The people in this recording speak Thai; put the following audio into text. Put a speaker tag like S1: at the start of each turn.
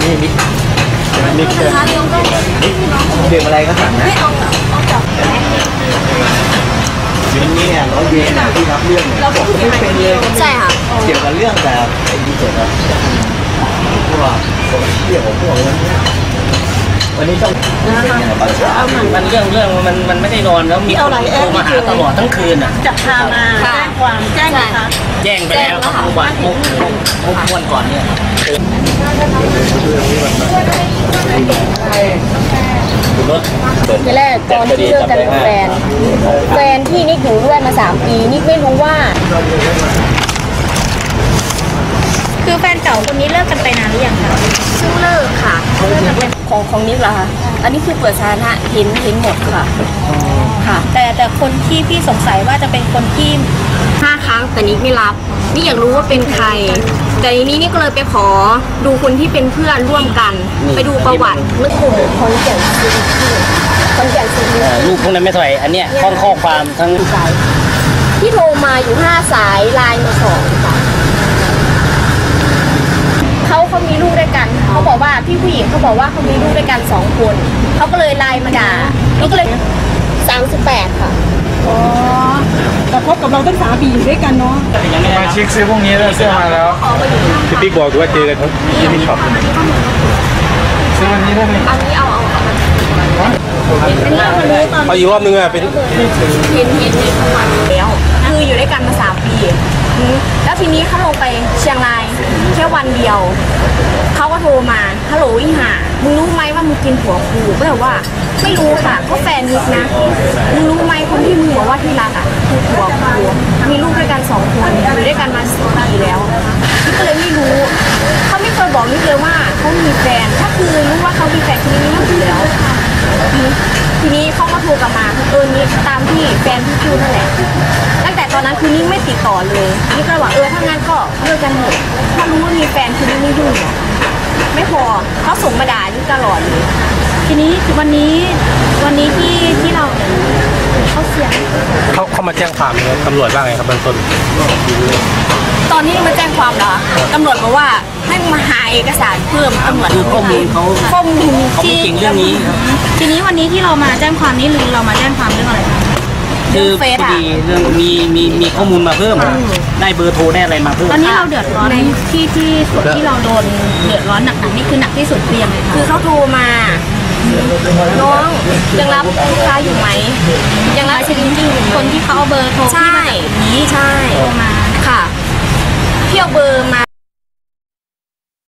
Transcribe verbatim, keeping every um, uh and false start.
S1: นี่มิกมิกเชอร์ดื่มอะไรก็สั่งนะชิ้นนี้เนี่ยร้อยเยนที่รับเรื่องเนี่ยเราบอกไม่เป็นเลยใช่ค่ะเกี่ยวกับเรื่องแบบไอ้นี่เกี่ยวกับพวกโซเชียลของพวกนี้วันนี้ต้องตอนเช้า
S2: มันเรื่องเรื่องมันมันไม่ได้นอนแล้วมีคนโทรมาหาตลอดทั้งคืนอ่ะ
S3: จะพามาแจ้งความแจ้งนะคะ
S2: แจ้งไปแล้วครับเมื่อวานมุกมุกวันก่อนเนี่ยรถ
S4: ทีแรกตอนที่เลิกกันเป็นแฟนแฟนที่นิกอยู่ด้วยมาสามปีนิกไม่รู้ว่า
S3: คือแฟนเก่าคนนี้เลิกกันไปนานหรือยังคะ
S4: เพิ่งเลิกค่ะของของนิกเหรอคะอันนี้คือเปิดสาธารณะเห็นเห็นหมดค่ะ
S3: ค่ะแต่แต่คนที่พี่สงสัยว่าจะเป็นคนที่
S4: ห้าครั้งแต่นิกไม่รับนี่อยากรู้ว่าเป็นใครแต่ทีนี้นี่ก็เลยไปขอดูคนที่เป็นเพื่อนร่วมกันไปดูประวัติเมื่อกลุ่มคนแก่นซีคนแก่นซี
S2: ลูกพวกนั้นไม่เท่าไหร่อันเนี้ยข้อข้อความทั้ง
S4: ที่โทรมาอยู่ห้าสายไลน์มาสองเขาเขามีลูกด้วยกันเขาบอกว่าพี่ผู้หญิงเขาบอกว่าเขามีลูกด้วยกันสองคนเขาก็เลยไลน์มาด่านี่ก็เลยสามสิบแปดค่ะ
S3: อ๋อแต่คบกับเราตั้งสามปีอยู่ด้วยกันเนาะ
S1: มาเช็คซื้อพวกนี้แล้วเสื้อมาแล้วพี่ปิ๊กบอกว่าเจอกันที่ที่ช็อปซื้อวันนี้ได้ไหม
S4: อันนี้เอาเอา
S1: เอาอีกรอบนึงอ่ะเป็น
S4: เห็นเห็นเห็นทั้งวันแล้วคืออยู่ด้วยกันมาสามปีแล้วทีนี้เขาลงไปเชียงรายแค่วันเดียวเขาก็โทรมาฮัลโหลอีห่ามึงรู้ไหมว่ามึงกินผัวกูก็แบบว่าไม่รู้ค่ะก็แฟนนิกนะมึงรู้ไหมคนที่มึงบอกว่าที่รักอ่ะคือผัวกูมีลูกด้วยกันสองคนอยู่ด้วยกันมาสิบปีแล้วนิกก็เลยไม่รู้เขาไม่เคยบอกนิกเลยว่าเขามีแฟนถ้าคือรู้ว่าเขามีแฟนทีนี้ไม่รู้แล้วทีนี้เขาก็โทรกลับมาเออนี่ตามที่แฟนที่พูดนั่นแหละตั้งแต่ตอนนั้นคือนี่ไม่ติดต่อเลยนี่ก็บอกเออถ้างั้นก็เลิกกันหมดถ้ารู้ว่ามีแฟนคือนี่ไม่ยุ่งไม่พอเขาส่งมาด่านี่ตลอดเลย
S3: ทีนี้วันนี้วันนี้ที่ที่เราเขาเสียง
S1: เขาเขามาแจ้งความเลยตำรวจว่าไงครับเบื้องต้น
S4: ตอนนี้มาแจ้งความเหรอตำรวจบอกว่าให้มาหาเอกสารเพิ่มตำรวจ
S2: คือข้อมูลเขา
S4: ข้อมูล
S2: เขาไม่เก่งเรื่องนี้
S3: ทีนี้วันนี้ที่เรามาแจ้งความนี้หรือเรามาแจ้งความเรื่องอะไร
S2: คือพอดีเรื่องมีมีมีข้อมูลมาเพิ่มได้เบอร์โทรได้อะไรมาเพิ่ม
S3: ตอนนี้เราเดือดร้อนในที่ที่ส่วนที่เราโดนเดือดร้อนหนักๆนี่คือหนักที่สุดเพียงเลยค่ะ
S4: คือเขาโทรมาน้องยังรับลูกค้าอยู่ไหมยังรับจริงจริง
S3: คนที่เขาเอาเบอร์โทรที่มาจากนี้
S4: ใช่
S3: โทรมา
S4: ค่ะเที่ยวเบอร์มา